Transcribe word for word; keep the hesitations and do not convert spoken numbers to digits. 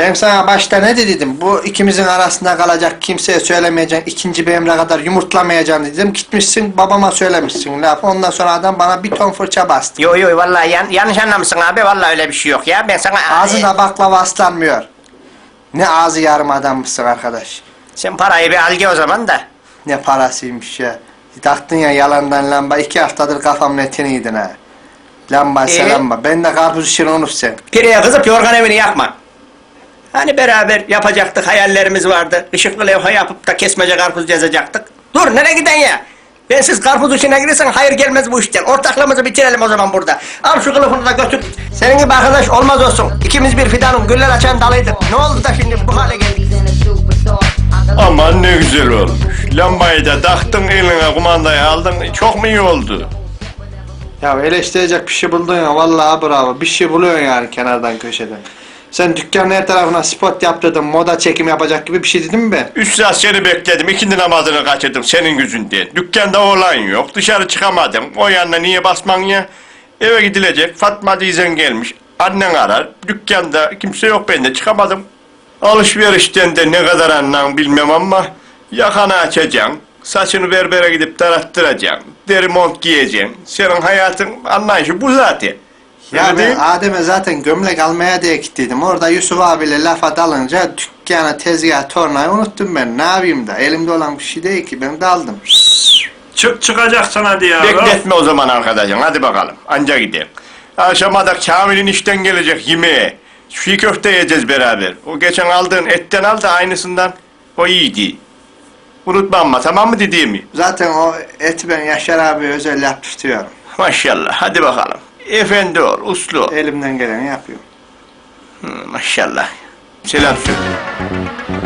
Ben sana başta ne dedim? Bu ikimizin arasında kalacak, kimseye söylemeyeceksin, ikinci bir emre kadar yumurtlamayacaksın dedim. Gitmişsin babama söylemişsin laf. Ondan sonra adam bana bir ton fırça bastı. Yo yo vallahi yan, yanlış anlamışsın abi, vallahi öyle bir şey yok ya. Ben sana... Ağzına baklava aslanmıyor. Ne ağzı yarım adammışsın arkadaş. Sen parayı bir al o zaman da. Ne parasıymış ya. Taktın ya yalandan lamba, iki haftadır kafamın etini yedin ha. Lamba Ee? lamba. Ben de karpuz işini unut sen. Pireye kızıp yorgan evini yakma. Hani beraber yapacaktık, hayallerimiz vardı. Işıklı levha yapıp da kesmece karpuz yazacaktık. Dur, nereye giden ya? Bensiz karpuz işine girirsen hayır gelmez bu işten. Ortaklığımızı bitirelim o zaman burada. Al şu kılıfını da götür. Senin gibi arkadaş olmaz olsun. İkimiz bir fidanın güller açan dalıydık. Ne oldu da şimdi bu hale geldik? Aman ne güzel olmuş. Lambayı da taktın, eline kumandayı aldın. Çok mu iyi oldu? Ya eleştirecek bir şey buldun ya, vallahi bravo. Bir şey buluyorsun yani kenardan köşeden. Sen dükkanın her tarafına spot yaptırdın, moda çekim yapacak gibi bir şey dedin mi ben? Üç saat seni bekledim, ikindi namazını kaçırdım senin yüzünden. Dükkanda oğlan yok, dışarı çıkamadım. O yanına niye basman ya? Eve gidilecek, Fatma teyzen gelmiş. Annen arar, dükkanda kimse yok, ben de çıkamadım. Alışverişten de ne kadar anlam bilmem ama yakanı açacaksın, saçını berbere gidip tarattıracaksın, deri mont giyeceksin. Senin hayatın anlayışı bu zaten. Ya Öyle değil ben mi? Adem'e zaten gömlek almaya diye gittiydim. Orada Yusuf abiyle lafa dalınca dükkana, tezgah, tornayı unuttum ben. Ne yapayım da? Elimde olan bir şey değil ki. Ben daldım. Çık çıkacaksın hadi ya. Bekletme o zaman arkadaşım, hadi bakalım, anca gidelim. Akşama da Kamil'in işten gelecek yemeğe. Çiğ köfte yiyeceğiz beraber. O geçen aldığın etten al da aynısından, o iyiydi. Unutma ama, tamam mı dediğimi? Zaten o eti ben Yaşar abi özel yap tutuyorum. Maşallah, hadi bakalım. Efendi ol, uslu ol. Elimden geleni yapıyorum. Hı, maşallah. Selam söyle.